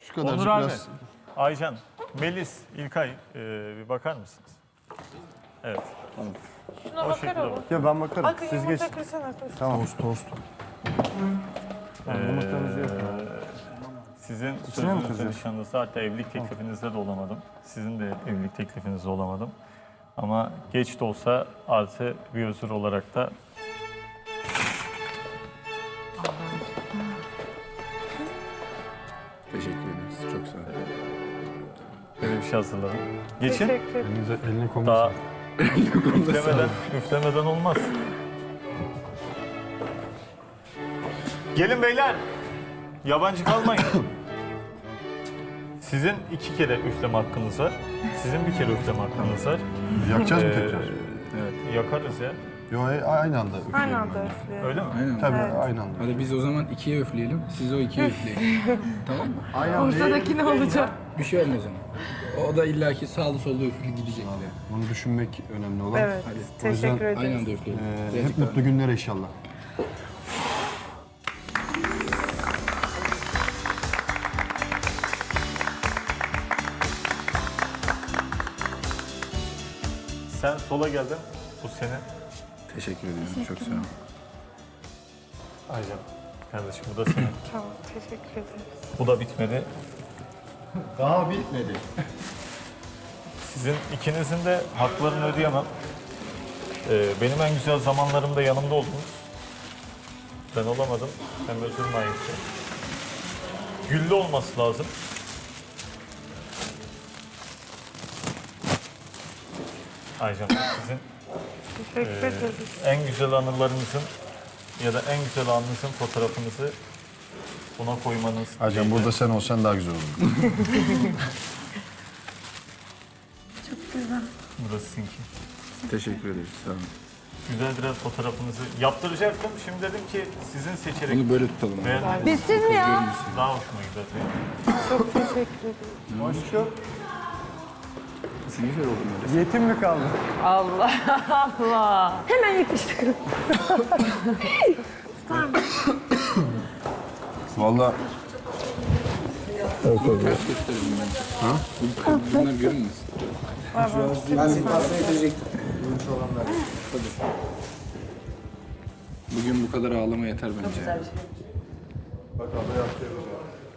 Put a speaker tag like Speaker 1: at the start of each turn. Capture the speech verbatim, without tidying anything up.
Speaker 1: Şu kadarcık
Speaker 2: Onur abi,
Speaker 1: biraz.
Speaker 2: Aycan, Melis, İlkay e, bir bakar mısınız? Evet.
Speaker 3: Şuna
Speaker 2: O
Speaker 3: bakar
Speaker 2: şekilde
Speaker 3: o.
Speaker 2: bak.
Speaker 4: Ya ben bakarım.
Speaker 3: Akın
Speaker 4: Siz geç.
Speaker 3: yumurta kırsana kız.
Speaker 4: Tamam.
Speaker 1: Tost tost.
Speaker 4: Yumurtamızı yapın.
Speaker 2: Sizin
Speaker 4: mi
Speaker 2: sözünüzde,
Speaker 4: kıracağız?
Speaker 2: nişanınızda, hatta evlilik teklifinizde de olamadım. Sizin de evlilik teklifinizde olamadım. Ama geç de olsa artı bir özür olarak da
Speaker 5: Teşekkür ederiz. Çok sağ olun.
Speaker 2: böyle bir şey hazırladım. Geçin.
Speaker 3: Teşekkür ederim.
Speaker 4: Elinize, eline koyun.
Speaker 2: Daha üflemeden, üflemeden olmaz. Gelin beyler. Yabancı kalmayın. Sizin iki kere üfleme hakkınız var. Sizin bir kere üfleme hakkınız var.
Speaker 1: Yakacağız mı
Speaker 2: Ee,
Speaker 1: tekrar?
Speaker 2: Evet, yakarız ya.
Speaker 1: Yo, a- aynı anda üfleyelim.
Speaker 3: Aynı anda üflüyor.
Speaker 2: Öyle mi?
Speaker 5: Aynen.
Speaker 1: Tabii
Speaker 3: Evet.
Speaker 1: aynı anda.
Speaker 5: Hadi biz o zaman ikiye üfleyelim. Siz o ikiye üfleyin. Tamam mı?
Speaker 3: Ortadaki ne olacak?
Speaker 5: Bir şey olmaz ama. O da illaki sağlı sollu üflü gidecek bile.
Speaker 1: Bunu düşünmek önemli olan.
Speaker 3: Evet.
Speaker 5: Hadi.
Speaker 1: O yüzden
Speaker 3: Teşekkür
Speaker 5: Aynı
Speaker 3: ederiz.
Speaker 5: anda üfleyelim.
Speaker 1: Ee,
Speaker 5: Birazcık
Speaker 1: hep
Speaker 5: daha.
Speaker 1: mutlu günler inşallah.
Speaker 2: Sen sola geldin. Bu senin.
Speaker 5: Teşekkür ediyorum. Çok sağ olun.
Speaker 2: Aycan. Kardeşim bu da senin.
Speaker 3: Tamam, teşekkür ederiz.
Speaker 2: Bu da bitmedi.
Speaker 1: Daha bitmedi.
Speaker 2: Sizin ikinizin de haklarını ödeyemem. Ee, benim en güzel zamanlarımda yanımda oldunuz. Ben olamadım. Hem özür layıktı. Güllü olması lazım. Aycan sizin
Speaker 3: Teşekkür
Speaker 2: e,
Speaker 3: ederiz.
Speaker 2: en güzel anılarınızın ya da en güzel anınızın fotoğrafınızı buna koymanız.
Speaker 1: Hacım
Speaker 2: dileğiyle.
Speaker 1: burada sen olsan daha güzel olur.
Speaker 2: Burası sizinki.
Speaker 5: Teşekkür ederiz. Sağ olun.
Speaker 2: Güzel biraz fotoğrafınızı yaptıracaktım. Şimdi dedim ki sizin seçerek
Speaker 5: Bunu böyle tutalım. abi.
Speaker 2: beğendiğiniz
Speaker 3: Bitti mi ya?
Speaker 2: daha hoşuma gider.
Speaker 3: Çok teşekkür ederim.
Speaker 4: Aşkım.
Speaker 5: Nasıl güzel oldu böyle.
Speaker 4: Yetim mi kaldı?
Speaker 3: Allah Allah. Hemen yetiştirin.
Speaker 1: Vallahi
Speaker 5: Ters gösterelim bence. Ha? Bunlar görünmesin. Bugün bu kadar ağlama yeter bence.
Speaker 4: Bak abla yaptı.